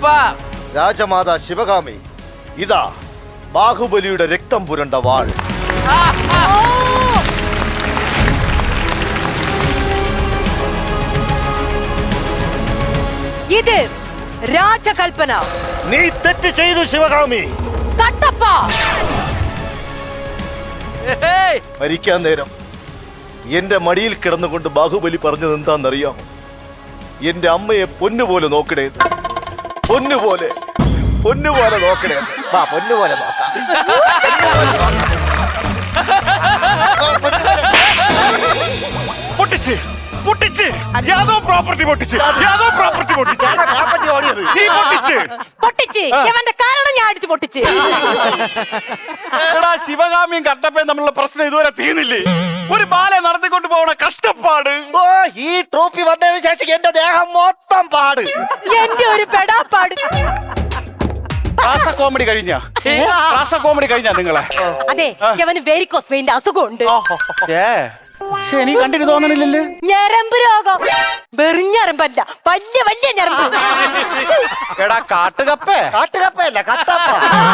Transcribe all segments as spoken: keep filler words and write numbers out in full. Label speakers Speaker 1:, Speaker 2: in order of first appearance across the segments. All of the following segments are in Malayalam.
Speaker 1: രാജമാതാ ശിവകാമി, ഇതാ ബാഹുബലിയുടെ രക്തം പുരണ്ട വാൾ.
Speaker 2: ഇത് രാജകൽപ്പന.
Speaker 1: നീ തെറ്റ് ചെയ്തു ശിവകാമി.
Speaker 2: കട്ടപ്പ
Speaker 1: മരിക്കാൻ നേരം എന്റെ മടിയിൽ കിടന്നുകൊണ്ട് ബാഹുബലി പറഞ്ഞത് എന്താണെന്നറിയാമോ? എന്റെ അമ്മയെ പൊന്നുപോലെ നോക്കണേ, പൊന്നുപോലെ പൊന്നുപോലെ നോക്കണേ. വാ, പൊന്നുപോലെ നോക്കാം.
Speaker 3: പൊട്ടിച്ച് പൊട്ടിച്ച് യാദോ പ്രോപ്പർട്ടി പൊട്ടിച്ച് യാദോ പ്രോപ്പർട്ടി പൊട്ടിച്ച് നീ പൊട്ടിച്ച്
Speaker 2: പൊട്ടിച്ച് ഇവന്റെ കാരണം ഞാൻ അടിച്ചു പൊട്ടിച്ച്.
Speaker 3: എടാ, ശിവകാമിയും കട്ടപ്പയും തമ്മിലുള്ള പ്രശ്നം ഇതുവരെ തീർന്നില്ലേ? ഒരു ബാലെ നടത്തിക്കൊണ്ട് പോകണ കഷ്ടപ്പാട്.
Speaker 1: ഓ, ഈ ട്രോഫി വന്നതിന് ശേഷം എന്റെ ദേഹം മൊത്തം പാട്.
Speaker 2: എന്റെ ഒരു പെടാപ്പാട്.
Speaker 3: റാസ കോമഡി കഴിഞ്ഞ റാസ കോമഡി കഴിഞ്ഞ നിങ്ങളെ.
Speaker 2: അതെ, ഇവന് വെരിക്കോസ് വെയിന്റെ അസുഖമുണ്ട്.
Speaker 3: പക്ഷെ എനിക്ക് കണ്ടിട്ട് തോന്നണില്ലല്ലോ.
Speaker 2: ഞരമ്പ് രോഗം. വെറിഞ്ഞരമ്പല്ല, വലിയ വലിയ ഞരമ്പ്.
Speaker 3: എടാ കാട്ടുകപ്പേ.
Speaker 1: കാട്ടുകപ്പയല്ല, കട്ടപ്പ.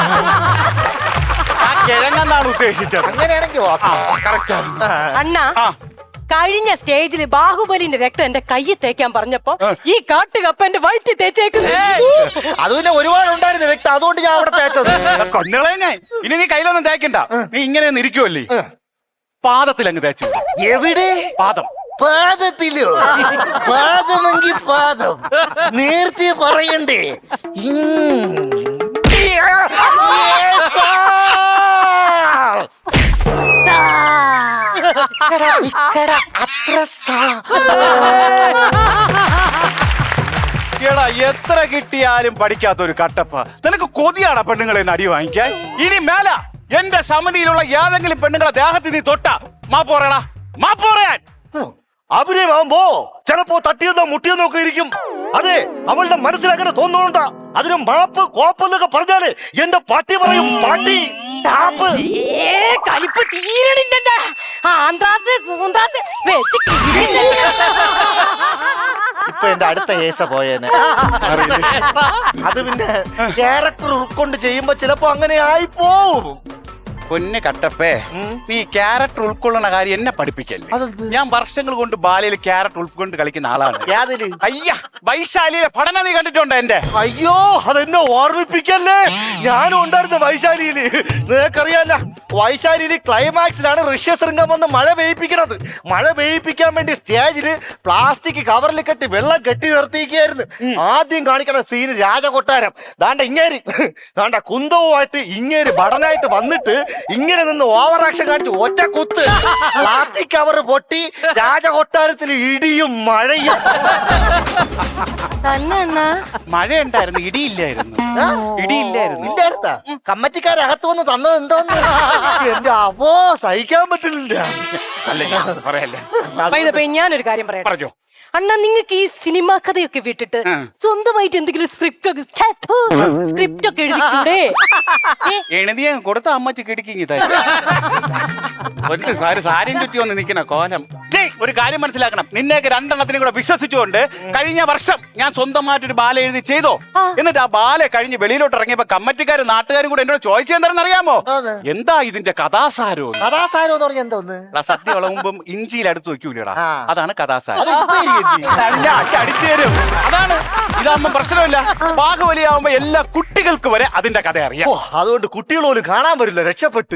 Speaker 3: ആ കിഴങ്ങെന്നാണ് ഉദ്ദേശിച്ചത്.
Speaker 1: അങ്ങനെയാണെങ്കിൽ
Speaker 2: അണ്ണാ, കഴിഞ്ഞ സ്റ്റേജിൽ ബാഹുബലിന്റെ രക്തം എന്റെ കയ്യിൽ തേക്കാൻ പറഞ്ഞപ്പോ ഈ കാട്ടുകപ്പ എന്റെ വയറ്റിൽ തേച്ചേക്കുന്നു.
Speaker 1: അത് പിന്നെ ഒരുപാട് ഉണ്ടായിരുന്നു വ്യക്തി, അതുകൊണ്ട് ഞാൻ അവിടെ തേച്ചത്.
Speaker 3: കൊന്നുകളെ ഞാൻ. ഇനി നീ കയ്യിലൊന്നും തേക്കണ്ട, നീ ഇങ്ങനെ നിൽക്കുവല്ലേ, പാദത്തിൽ അങ്ങ് തേച്ചു.
Speaker 1: എവിടെ?
Speaker 3: പാദം.
Speaker 1: പാദത്തിലോ? പാദമെങ്കിൽ പാദം നേരത്തെ പറയണ്ടേ?
Speaker 3: എടാ, എത്ര കിട്ടിയാലും പഠിക്കാത്ത ഒരു കട്ടപ്പ. നിനക്ക് കൊതിയാടാ പെണ്ണുങ്ങളെ അടി വാങ്ങിക്കാൻ? ഇനി മേല എന്റെ സമിതിയിലുള്ള ഏതെങ്കിലും പെണ്ണുങ്ങളെ ദേഹത്തിൽ നീ തൊട്ട മാപ്പ് പറയടാ, മാപ്പ് പറയാൻ.
Speaker 1: അഭിനയമാകുമ്പോ ചിലപ്പോ തട്ടിയെന്നോ മുട്ടിയെന്നോ ഒക്കെ ഇരിക്കും. അതെ, അവളുടെ മനസ്സിൽ അങ്ങനെ തോന്നുന്നുണ്ടാ. അതിന് മാപ്പ് കോപ്പെന്നൊക്കെ പറഞ്ഞാല് എന്റെ പാട്ടി പറയും, പാട്ടി ടാപ്പ്.
Speaker 2: കളിപ്പ് തീരണില്ല. ആന്ത്രാസ് കൂന്ത്രാസ് വെച്ച്
Speaker 1: ഇപ്പൊ എന്റെ അടുത്ത കേസ പോയേനെ. അത് പിന്നെ ക്യാരക്ടർ ഉൾക്കൊണ്ട് ചെയ്യുമ്പോ ചിലപ്പോ അങ്ങനെ ആയി പോവും.
Speaker 3: പൊന്നെ കട്ടപ്പേ, നീ ക്യാരക്ടർ ഉൾക്കൊള്ളുന്ന കാര്യം എന്നെ പഠിപ്പിക്കല്ലേ. ഞാൻ വർഷങ്ങൾ കൊണ്ട് ബാലയിൽ ക്യാരക്ടർ ഉൾക്കൊണ്ട് കളിക്കുന്ന ആളാണ്.
Speaker 1: യാതിന്?
Speaker 3: അയ്യ, വൈശാലിയിലെ പഠനം നീ കണ്ടിട്ടുണ്ടോ എന്റെ?
Speaker 1: അയ്യോ, അതെന്നെ ഓർമ്മിപ്പിക്കല്ലേ. ഞാനും ഉണ്ടായിരുന്നു വൈശാലിയില്. നിനക്കറിയാല്ല, വൈശാലിയില് ക്ലൈമാക്സിലാണ് ഋഷ്യശൃംഗം വന്ന് മഴ പെയ്യിപ്പിക്കണത്. മഴ പെയ്യിപ്പിക്കാൻ വേണ്ടി സ്റ്റേജില് പ്ലാസ്റ്റിക് കവറിൽ കെട്ടി വെള്ളം കെട്ടി നിർത്തിയിരിക്കുകയായിരുന്നു. ആദ്യം കാണിക്കണ സീന് രാജകൊട്ടാരം. ദാണ്ട ഇങ്ങേര് ദാണ്ട കുന്തവുമായിട്ട് ഇങ്ങേര് ഭടനായിട്ട് വന്നിട്ട് ഇങ്ങനെ നിന്ന് ഓവർ ആക്ഷൻ കാണിച്ചു ഒറ്റ കുത്ത്. പ്ലാസ്റ്റിക് കവർ പൊട്ടി രാജകൊട്ടാരത്തിൽ ഇടിയും മഴയും.
Speaker 3: മഴ ഉണ്ടായിരുന്നു, ഇടിയില്ലായിരുന്നു. ഇടിയില്ലായിരുന്നു.
Speaker 1: ഇല്ലായിരുന്നാ? കമ്മറ്റിക്കാരകത്ത് വന്ന് തന്നത് എന്തോന്ന് എന്റെ അവോ സഹിക്കാൻ പറ്റില്ല.
Speaker 2: ഞാനൊരു കാര്യം പറയാം.
Speaker 3: പറഞ്ഞോ.
Speaker 2: അണ്ണാ, നിങ്ങൾക്ക് ഈ സിനിമാ കഥയൊക്കെ വിട്ടിട്ട് സ്വന്തമായിട്ട് എന്തെങ്കിലും സ്ക്രിപ്റ്റ് ഒക്കെ സ്ക്രിപ്റ്റ് ഒക്കെ എഴുതിക്കൂടെ?
Speaker 3: എഴുതിയ കൊടുത്ത അമ്മച്ചി കിടക്കി സാരി സാരിയും ചുറ്റി വന്ന് നിൽക്കുന്ന കോലം. ഒരു കാര്യം മനസ്സിലാക്കണം, നിന്നെയൊക്കെ രണ്ടെണ്ണത്തിനും കൂടെ വിശ്വസിച്ചുകൊണ്ട് കഴിഞ്ഞ വർഷം ഞാൻ സ്വന്തമായിട്ടൊരു ബാല എഴുതി ചെയ്തോ. എന്നിട്ട് ആ ബാല കഴിഞ്ഞ് വെളിയിലോട്ട് ഇറങ്ങിയപ്പോ കമ്മറ്റിക്കാരും നാട്ടുകാരും കൂടെ എന്നോട് ചോദിച്ചെന്താണെന്ന് അറിയാമോ? എന്താ ഇതിന്റെ കഥാസാരോ?
Speaker 1: കഥാസാരം എന്ന് പറഞ്ഞ എന്തോന്ന്?
Speaker 3: സത്യം വിളമ്പും ഇഞ്ചിയിൽ അടുത്ത് വെക്കൂലടാ, അതാണ് കഥാസാരം. അടിച്ചു തരും, അതാണ്. ഇതാകുമ്പോ പ്രശ്നമില്ല. ബാഹുബലിയാവുമ്പോ എല്ലാ കുട്ടികൾക്ക് വരെ അതിന്റെ കഥ അറിയാം.
Speaker 1: അതുകൊണ്ട് കുട്ടികൾ പോലും കാണാൻ വരില്ല, രക്ഷപ്പെട്ട്.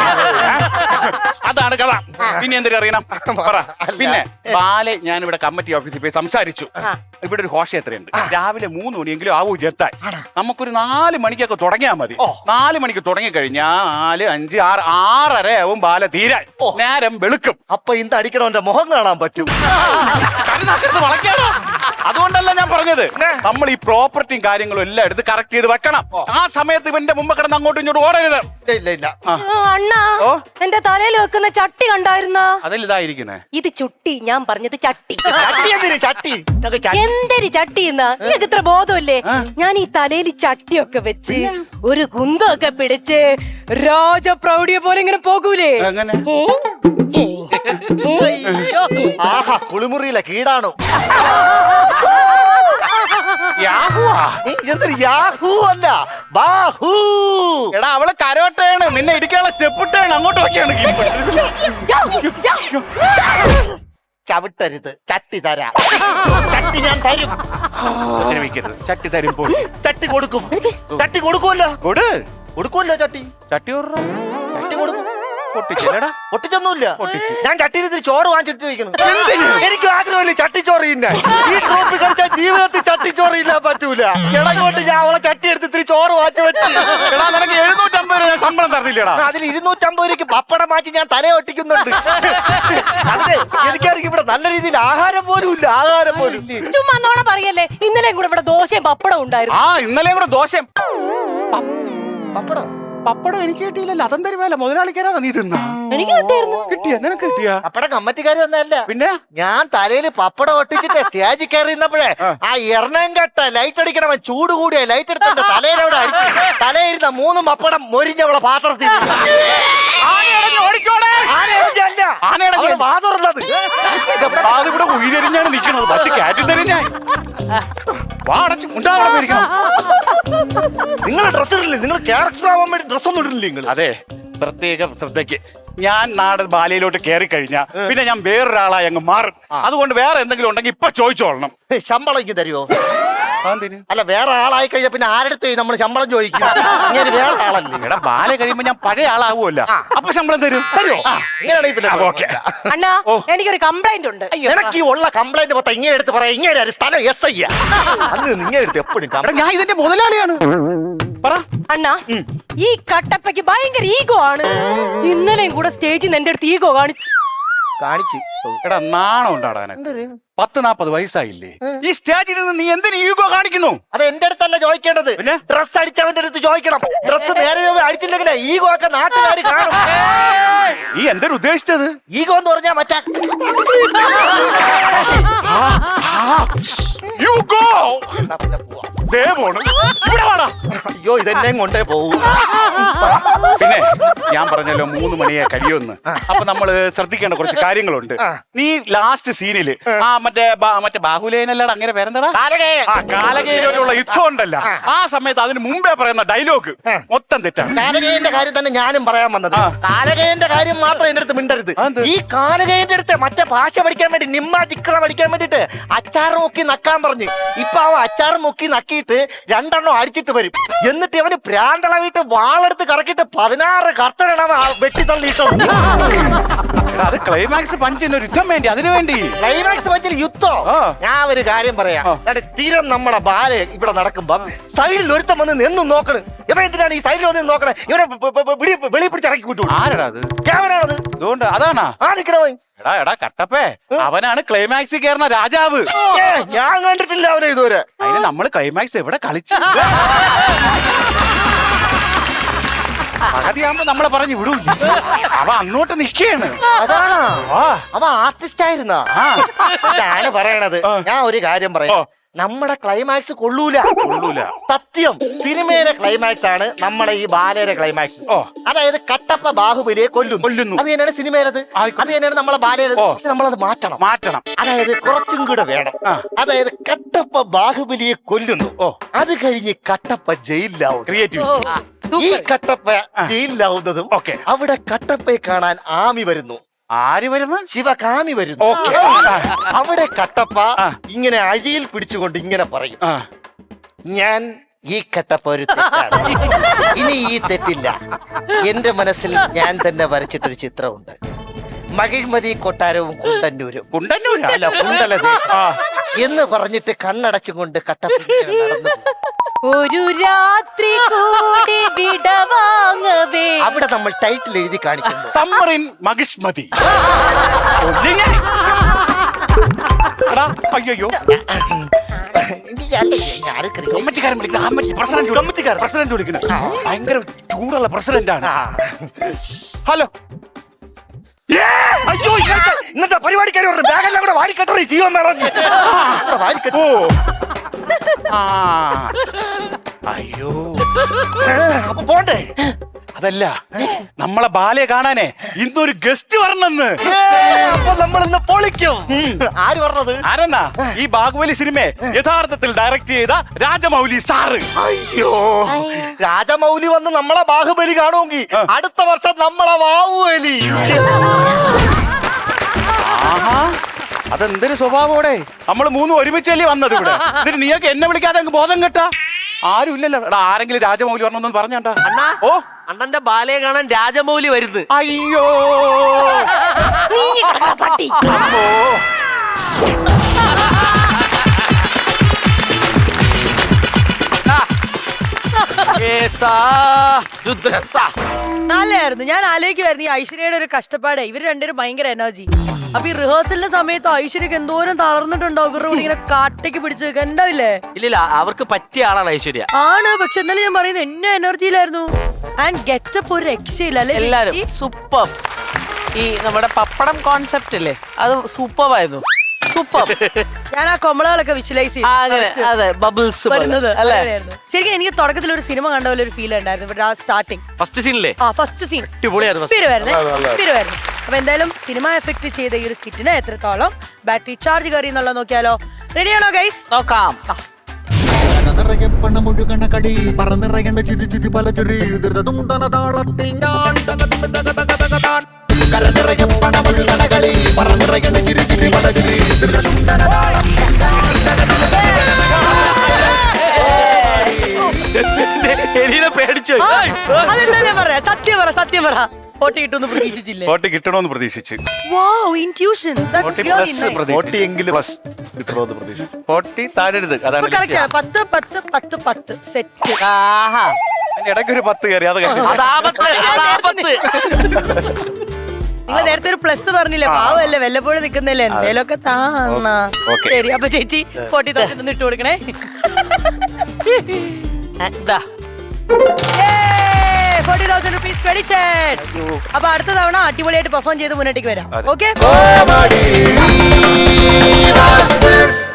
Speaker 3: അതാണ് കഥ. പിന്നെ എന്തിനും അറിയണം പറ. പിന്നെ ബാലെ ഞാൻ ഇവിടെ കമ്മിറ്റി ഓഫീസിൽ പോയി സംസാരിച്ചു. ഇവിടെ ഒരു ഘോഷയാത്രയുണ്ട്. രാവിലെ മൂന്ന് മണിയെങ്കിലും ആവൂ എത്താൻ. നമുക്കൊരു നാല് മണിക്കൊക്കെ തുടങ്ങിയാൽ മതി. നാല് മണിക്ക് തുടങ്ങി കഴിഞ്ഞാൽ നാല് അഞ്ച് ആറ് ആറര ആവും ബാല തീരാൻ. നേരം വെളുക്കും.
Speaker 1: അപ്പൊ ഇന്ന് അടിക്കണവന്റെ മുഖം കാണാൻ പറ്റും.
Speaker 3: വളക്കാണോ? അതുകൊണ്ടല്ല ഞാൻ പറഞ്ഞത്, നമ്മൾ ഈ പ്രോപ്പർട്ടിയും കാര്യങ്ങളും എല്ലാം എടുത്ത് കറക്റ്റ് ചെയ്ത് വെക്കണം. ആ സമയത്ത് ഇവന്റെ മുമ്പ് കിടന്ന് അങ്ങോട്ടും ഇങ്ങോട്ടും ഓടരുത്.
Speaker 1: ഇല്ല ഇല്ല.
Speaker 2: അണ്ണാ, എന്റെ തലയിൽ വെക്കുന്ന ചട്ടി കണ്ടായിരുന്ന?
Speaker 3: അതിൽ ഇതായിരിക്കുന്നേ.
Speaker 2: ഇത് ചുട്ടി, ഞാൻ പറഞ്ഞത് ചട്ടി.
Speaker 1: ചട്ടി
Speaker 2: എന്തൊരു ചട്ടി എന്നാ? നിങ്ങൾക്ക് ഇത്ര ബോധമല്ലേ? ഞാൻ ഈ തലയിൽ ചട്ടിയൊക്കെ വെച്ച് ഒരു കുന്തമൊക്കെ പിടിച്ച് രാജപ്രൗഢിയെ പോലെ ഇങ്ങനെ പോകൂലേ?
Speaker 1: ആഹാ, കുളിമുറിയിലെ കീടാണോ?
Speaker 3: യാഹുവാ?
Speaker 1: എന്തൊരു യാഹൂ അല്ല ബാഹൂ.
Speaker 3: എടാ അവള് കരോട്ടയാണ്, നിന്നെ ഇടിക്കാനുള്ള സ്റ്റെപ്പ് ഇട്ടാണ് അങ്ങോട്ട് നോക്കിയാണ്.
Speaker 1: ചവിട്ടരുത്, ചട്ടി തരാം. ചട്ടി ഞാൻ തരും.
Speaker 3: ചട്ടി തരുമ്പോൾ
Speaker 1: ചട്ടി കൊടുക്കും. ചട്ടി കൊടുക്കുമല്ലോ.
Speaker 3: കൊടു
Speaker 1: കൊടുക്കുമല്ലോ ചട്ടി.
Speaker 3: ചട്ടി ഓർറ.
Speaker 1: ചട്ടി കൊടുക്കും.
Speaker 3: പൊട്ടിച്ചല്ലടാ?
Speaker 1: പൊട്ടിച്ചൊന്നുമില്ല.
Speaker 3: പൊട്ടിച്ച്.
Speaker 1: ഞാൻ ചട്ടിയിൽ ഇത്തിരി ചോറ് വാങ്ങിച്ചിട്ട് വെക്കുന്നു. എനിക്ക് ആഗ്രഹമില്ല ചട്ടിച്ചോറ് തിന്നാൻ. ഈ ട്രോപ്പി കളിച്ചാൽ ജീവിതത്തിൽ ചട്ടിച്ചോറ് ഇല്ലാൻ പറ്റൂല. ഇടങ്ങോട്ട് ഞാൻ അവളെ ചട്ടി എടുത്ത് ഇത്തിരി ചോറ് വാങ്ങിച്ചു വെച്ചു.
Speaker 3: എടാ നിനക്ക് എഴുന്നൂറ്റമ്പത് രൂപ ഞാൻ ശമ്പളം തരുന്നില്ലടാ.
Speaker 1: അതിൽ ഇരുന്നൂറ്റമ്പത് രൂപയ്ക്ക് പപ്പടം മാറ്റി ഞാൻ തല ഒട്ടിക്കുന്നുണ്ട്. അതിന് എനിക്കാണെങ്കിൽ ഇവിടെ നല്ല രീതിയിൽ ആഹാരം പോലും ഇല്ല. ആഹാരം പോലും
Speaker 2: ചുമ്മാ നോണ പറയല്ലേ. ഇന്നലെയും കൂടെ ഇവിടെ ദോശയും പപ്പടം ഉണ്ടായിരുന്നു.
Speaker 3: ആ ഇന്നലെ കൂടെ ദോശം
Speaker 1: പപ്പടം
Speaker 3: പപ്പടം എനിക്ക് കിട്ടിയില്ലല്ലോ. അതും തരുമല്ല, മുതലാളിക്കാരാ നീ തിന്നാ.
Speaker 2: എനിക്ക് കിട്ടിയായിരുന്നു.
Speaker 3: കിട്ടിയ നിനക്ക് കിട്ടിയാ?
Speaker 1: പപ്പടം കമ്മറ്റിക്കാരി ഒന്നല്ല.
Speaker 3: പിന്നെ
Speaker 1: ഞാൻ തലയിൽ പപ്പടം ഒട്ടിച്ചിട്ട് സ്റ്റേജിൽ കയറി നിന്നപ്പോഴേ ആ എറണം കെട്ട ലൈറ്റ് അടിക്കണവൻ ചൂട് കൂടിയ ലൈറ്റ് എടുത്ത തലയിലവിടെ അടിച്ചു. തലയിരുന്ന മൂന്ന് പപ്പടം മൊരിഞ്ഞവളെ പാത്രത്തിൽ.
Speaker 3: ഇവിടെ ഉയരെരിഞ്ഞാണ് നിൽക്കുന്നത്. പച്ച കാറ്റ് തരും ഞാൻ.
Speaker 1: നിങ്ങൾ ഡ്രസ് ഇടില്ലേ? നിങ്ങൾ ക്യാരക്ടർ ആവാൻ വേണ്ടി ഡ്രസ് ഒന്നും ഇടില്ലേ നിങ്ങൾ?
Speaker 3: അതെ, പ്രത്യേക ശ്രദ്ധയ്ക്ക്. ഞാൻ നാട് ബാലയിലോട്ട് കയറി കഴിഞ്ഞാ പിന്നെ ഞാൻ വേറൊരാളായി അങ്ങ് മാറും. അതുകൊണ്ട് വേറെ എന്തെങ്കിലും ഉണ്ടെങ്കിൽ ഇപ്പൊ ചോദിച്ചോളണം.
Speaker 1: ശമ്പളം ഇങ്ങ് തരുമോ?
Speaker 3: അതെന്തിന്?
Speaker 1: അല്ല വേറെ ആളായി കഴിഞ്ഞാൽ പിന്നെ ആരെടുത്ത് നമ്മൾ ശമ്പളം ചോദിക്കും? ഇങ്ങനെ വേറെ ആളല്ലേ?
Speaker 3: എടാ ബാല കഴിയുമ്പോ ഞാൻ പഴയ ആളാവുമല്ല. അപ്പൊ ശമ്പളം തരും.
Speaker 1: തരുമോ? ഇങ്ങനെയാണെങ്കിൽ പിന്നെ ഓക്കെ.
Speaker 2: അണ്ണാ എനിക്കൊരു കംപ്ലൈന്റ് ഉണ്ട്.
Speaker 1: നിനക്ക് ഈ ഉള്ള കംപ്ലൈന്റ് മൊത്തം ഇങ്ങനെ എടുത്ത് പറയാം. ഇങ്ങനെ സ്ഥലം എസ് ഐ അന്ന് നിങ്ങനെ എടുത്ത് എപ്പോഴും
Speaker 3: ഞാൻ ഇതിന്റെ മുതലാളിയാണ്. പറ
Speaker 2: അണ്ണാ, ഈ കട്ടപ്പയ്ക്ക് ഭയങ്കര ഈഗോ ആണ്. ഇന്നലെയും കൂടെ സ്റ്റേജിൽ നിന്ന് എന്റെ അടുത്ത് ഈഗോ കാണിച്ചു
Speaker 1: കാണിച്ച്.
Speaker 3: എടാ നാണം ഉണ്ടാടാ. പത്ത് നാപ്പത് വയസ്സായില്ലേ? ഈ സ്റ്റേജിൽ നിന്ന് നീ എന്തിനു ഈഗോ കാണിക്കുന്നു?
Speaker 1: അത് എന്റെ അടുത്തല്ല ചോദിക്കേണ്ടത്.
Speaker 3: പിന്നെ
Speaker 1: ഡ്രസ് അടിച്ചവന്റെ അടുത്ത് ചോദിക്കണം. ഡ്രസ് നേരെ അടിച്ചില്ലെങ്കിലേ ഈഗോ ഒക്കെ നാട്ടുകാർ കാണും.
Speaker 3: നീ എന്തൊരു ഉദ്ദേശിച്ചത്?
Speaker 1: ഈഗോ എന്ന് പറഞ്ഞാ മറ്റേ അയ്യോ ഇതെന്നെ കൊണ്ടേ പോവും.
Speaker 3: പിന്നെ ഞാൻ പറഞ്ഞല്ലോ മൂന്ന് മണിയെ കഴിയുമെന്ന്. അപ്പൊ നമ്മള് ശ്രദ്ധിക്കേണ്ട കുറച്ച് കാര്യങ്ങളുണ്ട്. നീ ലാസ്റ്റ് സീനില് ആ മറ്റേ മറ്റേ ബാഹുലേനല്ലട അങ്ങനെ പേരെന്താടാ കാലകേയിലുള്ള യുദ്ധം ഉണ്ടല്ല, ആ സമയത്ത് അതിന് മുമ്പേ പറയുന്ന ഡയലോഗ് മൊത്തം തെറ്റാണ്.
Speaker 1: കാലകേയന്റെ കാര്യം തന്നെ ഞാനും പറയാൻ വന്നത്. കാലകേയന്റെ കാര്യം മാത്രം എന്റെ അടുത്ത് മിണ്ടരുത്. ഈ കാലകേയന്റെ അടുത്ത് മറ്റേ ഭാഷ പഠിക്കാൻ വേണ്ടി നിമ്മ ടിക്ര പഠിക്കാൻ വേണ്ടിട്ട് അച്ചാർ മുക്കി നക്കാൻ പറഞ്ഞ് ഇപ്പൊ അവൻ അച്ചാർ മുക്കി നക്കിയിട്ട് രണ്ടെണ്ണം അടിച്ചിട്ട് വരും. എന്നിട്ട് അവന് പ്രാന്തളവിട്ട് വാളെടുത്ത് കറക്കിട്ട് പതിനാറ് കർത്തനാണ് വെട്ടി തള്ളിയിട്ടത്.
Speaker 3: അത് ക്ലൈമാക്സ് പഞ്ചിന് ഒരു യുദ്ധം വേണ്ടി, അതിനു വേണ്ടി
Speaker 1: ക്ലൈമാക്സ് പഞ്ചിൽ യുദ്ധം. ഞാൻ ഒരു കാര്യം പറയാം. സ്ഥിരം നമ്മളെ ബാല ഇവിടെ നടക്കുമ്പോ സൈഡിൽ ഒരുത്തം വന്ന് നിന്നും നോക്കണ്. ഇവ എന്തിനാണ് ഈ സൈഡിൽ വന്ന് നോക്കണേ? ഇവരെ വെളി പിടിച്ച് ഇറക്കി വിട്ടു.
Speaker 3: ആരടാ അത്?
Speaker 1: ക്യാമറയാണത്.
Speaker 3: അതുകൊണ്ട് അതാണാ
Speaker 1: ആ നിക്കണവൻ.
Speaker 3: എടാ എടാ കട്ടപ്പേ, അവനാണ് ക്ലൈമാക്സിൽ കയറുന്ന രാജാവ്.
Speaker 1: ഞാൻ കണ്ടിട്ടില്ല അവനെ ഇതുവരെ.
Speaker 3: അതിന് നമ്മള് ക്ലൈമാക്സ് എവിടെ കളിച്ചു? പകുതിയാകുമ്പോ നമ്മളെ പറഞ്ഞു വിടൂ. അവ അങ്ങോട്ട് നിക്കാണ്.
Speaker 1: അതാണോ? അവ ആർട്ടിസ്റ്റ് ആയിരുന്നാ? ഇതാണ് പറയണത്. ഞാൻ ഒരു കാര്യം പറയാം. നമ്മുടെ ക്ലൈമാക്സ് കൊള്ളൂല. കൊള്ളൂല സത്യം. സിനിമയിലെ ക്ലൈമാക്സ് ആണ് നമ്മുടെ ഈ ബാലയുടെ ക്ലൈമാക്സ്. അതായത് കട്ടപ്പ ബാഹുബലിയെ കൊല്ലുന്നു കൊല്ലുന്നു അത് തന്നെയാണ് സിനിമയിലത്. അത് തന്നെയാണ് നമ്മളെ ബാലയുടെ. പക്ഷെ നമ്മളത് മാറ്റണം മാറ്റണം അതായത് കുറച്ചും കൂടെ വേണം. അതായത് കട്ടപ്പ ബാഹുബലിയെ കൊല്ലുന്നു, അത് കഴിഞ്ഞ് കട്ടപ്പ ജയിലിലാവും. ക്രിയേറ്റീവ്. ഈ കട്ടപ്പ ജയിലിലാവുന്നതും അവിടെ കട്ടപ്പയെ കാണാൻ ആമി വരുന്നു.
Speaker 3: ആര് വരുന്നു?
Speaker 1: ശിവകാമി വരുന്നു. അവിടെ കട്ടപ്പ ഇങ്ങനെ അഴിയിൽ പിടിച്ചുകൊണ്ട് ഇങ്ങനെ പറയും, ഞാൻ ഈ കട്ടപ്പ ഒരു തെറ്റാണ്, ഇനി ഈ തെറ്റില്ല. എന്റെ മനസ്സിൽ ഞാൻ തന്നെ വരച്ചിട്ടൊരു ചിത്രമുണ്ട്. മകിഴ്മതി കൊട്ടാരവും കുണ്ടന്നൂരും
Speaker 3: കുണ്ടന്നൂരും
Speaker 1: അല്ല കുണ്ടലദേശം എന്ന് പറഞ്ഞിട്ട് കണ്ണടച്ചുകൊണ്ട് കട്ടപ്പ ഇങ്ങനെ നടന്നു.
Speaker 2: ഒരു രാത്രി കൂടി വിടവാങ്ങവേ.
Speaker 1: അവിടെ നമ്മൾ ടൈറ്റിൽ എഴുതി കാണിക്കുന്നു,
Speaker 3: സമ്മറിൻ മകിഷ്മതി. അയ്യോ പ്രസിഡന്റ് വിളിക്കുന്നു. ഭയങ്കര ചൂടുള്ള പ്രസിഡന്റ് ആണ്. ഹലോ.
Speaker 1: അയ്യോ ഇന്നത്തെ പരിപാടിക്കാർ പറഞ്ഞു ബാഗെല്ലാം കൂടെ വാരിക്കെട്ടറി ജീവൻ വാരിക്കെട്ടോ.
Speaker 3: അയ്യോ
Speaker 1: അപ്പൊ പോണ്ടേ?
Speaker 3: അതല്ല നമ്മളെ ബാലയെ കാണാനേ ഇന്നൊരു ഗസ്റ്റ് വരണമെന്ന്.
Speaker 1: അപ്പൊ നമ്മൾ ഇന്ന് പൊളിക്കും. ആര് പറഞ്ഞത്?
Speaker 3: ആരെന്നാ? ഈ ബാഹുബലി സിനിമയെ യഥാർത്ഥത്തിൽ ഡയറക്ട് ചെയ്ത രാജമൗലി സാറ്.
Speaker 1: അയ്യോ, രാജമൗലി വന്ന് നമ്മളെ ബാഹുബലി കാണുമെങ്കിൽ അടുത്ത വർഷം നമ്മളെ ബാഹുബലി.
Speaker 3: ആഹാ, അതെന്തൊരു സ്വഭാവോടെ നമ്മൾ മൂന്നും ഒരുമിച്ചല്ലേ വന്നത് ഇവിടെ. എന്നിട്ട് നീയൊക്കെ എന്നെ വിളിക്കാതെ അങ്ങ് ബോധം കെട്ടാ. ആരും ഇല്ലല്ലോ. എടാ, ആരെങ്കിലും രാജമൗലി വരണമെന്ന് പറഞ്ഞാ.
Speaker 4: അണ്ണാ,
Speaker 3: ഓ,
Speaker 4: അണ്ണന്റെ ബാലയെ കാണാൻ രാജമൗലി വരുന്നു.
Speaker 3: അയ്യോ
Speaker 2: നീ കിടക്കണ പട്ടി.
Speaker 3: ഓ.
Speaker 4: ഏസാ, രുദ്രസാ.
Speaker 2: നല്ലായിരുന്നു. ഞാൻ ആലോചിക്കുമായിരുന്നു ഈ ഐശ്വര്യയുടെ ഒരു പാട്. ഇവര് രണ്ടുപേരും ഭയങ്കര എനർജി. അപ്പൊ ഈ റിഹേഴ്സലിന്റെ സമയത്ത് ഐശ്വര്യക്ക് എന്തോരം തളർന്നിട്ടുണ്ടാവും. ഇവരുടെ കൂടെ ഇങ്ങനെ കാട്ടേക്ക് പിടിച്ച് ഉണ്ടാവില്ലേ?
Speaker 4: ഇല്ലില്ല, അവർക്ക് പറ്റിയ ആളാണ് ഐശ്വര്യ.
Speaker 2: ആണ്, പക്ഷെ എന്നാലും ഞാൻ പറയുന്നത് എന്നെ എനർജിയിലായിരുന്നു. ആൻഡ് ഗെറ്റപ്പ് ഒരു രക്ഷയില്ല അല്ലെ?
Speaker 5: എല്ലാരും സൂപ്പർ. ഈ നമ്മുടെ പപ്പടം കോൺസെപ്റ്റ് അല്ലേ, അത് സൂപ്പർ ആയിരുന്നു. സൂപ്പർ.
Speaker 2: ഞാൻ ആ കൊമളകളൊക്കെ വിഷ്വലൈസ്
Speaker 5: അങ്ങനെ അതെ, ബബിൾസ്
Speaker 2: വരുന്നത്
Speaker 5: അല്ലേ?
Speaker 2: ശരിക്കും എനിക്ക് തുടക്കത്തിൽ ഒരു സിനിമ കണ്ട പോലെ ഒരു ഫീൽ ഉണ്ടായിരുന്നു. ഇവിടെ ആ സ്റ്റാർട്ടിങ്
Speaker 4: ഫസ്റ്റ് സീനില്ലേ?
Speaker 2: ആ ഫസ്റ്റ് സീൻ
Speaker 4: അടിപൊളിയായിരുന്നു.
Speaker 2: വരുന്നേ. അപ്പൊ എന്തായാലും സിനിമ എഫക്ട് ചെയ്ത ഈ ഒരു സ്കിറ്റിന് എത്രത്തോളം ബാറ്ററി ചാർജ് കയറി എന്നുള്ളത് നോക്കിയാലോ? റെഡിയാണോ ഗൈസ്?
Speaker 5: നോക്കാം.
Speaker 6: നിറയെ പണമൊഴുകണ കളി പറന്നിറയേണ്ട ചിരി ചിരി പല ചിരി ധൃതതുണ്ടന താളത്തിൽ ഞാൻ കരനിറയെ പണമൊഴുകണ കളി പറന്നിറയേണ്ട ചിരി ചിരി പല ചിരി ധൃതതുണ്ടന
Speaker 4: പേടിച്ചു.
Speaker 2: അതെന്താ പറയാ? സത്യം പറ, സത്യം പറ. ഫോട്ടോ കിട്ടുമെന്ന് പ്രതീക്ഷിച്ചില്ലേ?
Speaker 3: ഫോട്ടോ കിട്ടണമെന്ന് പ്രതീക്ഷിച്ച്.
Speaker 2: Wow, intuition. That's
Speaker 3: forty
Speaker 2: really
Speaker 3: plus
Speaker 2: nice.
Speaker 3: പ്രതീക്ഷിച്ചു. പ്ലസ് കിട്ടണമെന്ന് പ്രതീക്ഷിച്ചു. ഫോർട്ടി താഴരുത്,
Speaker 2: അപ്പൊ
Speaker 3: അതാണ്
Speaker 2: correct ആണ്. പത്ത് പത്ത് പത്ത് പത്ത് സെറ്റ്.
Speaker 5: ആഹാ,
Speaker 3: ഇടയ്ക്കൊരു പത്ത് കയറി അത് കഴിഞ്ഞു.
Speaker 4: അതാപത്ത്, അതാപത്ത്.
Speaker 2: നിങ്ങൾ നേരത്തെ ഒരു പ്ലസ് പറഞ്ഞില്ലേ? പാവല്ലേ, വല്ലപ്പോഴും നിൽക്കുന്നില്ലേ? എന്തേലൊക്കെ താണ.
Speaker 3: Okay.
Speaker 2: ശരി, അപ്പൊ ചേച്ചി ഫോർട്ടി തൗസൻഡ് ഇട്ട് കൊടുക്കണേ.
Speaker 5: ദാ.
Speaker 2: Forty thousand rupees credited. അപ്പൊ അടുത്ത തവണ അടിപൊളിയായിട്ട് പെർഫോം ചെയ്ത് മുന്നോട്ടേക്ക് വരാം. ഓക്കെ.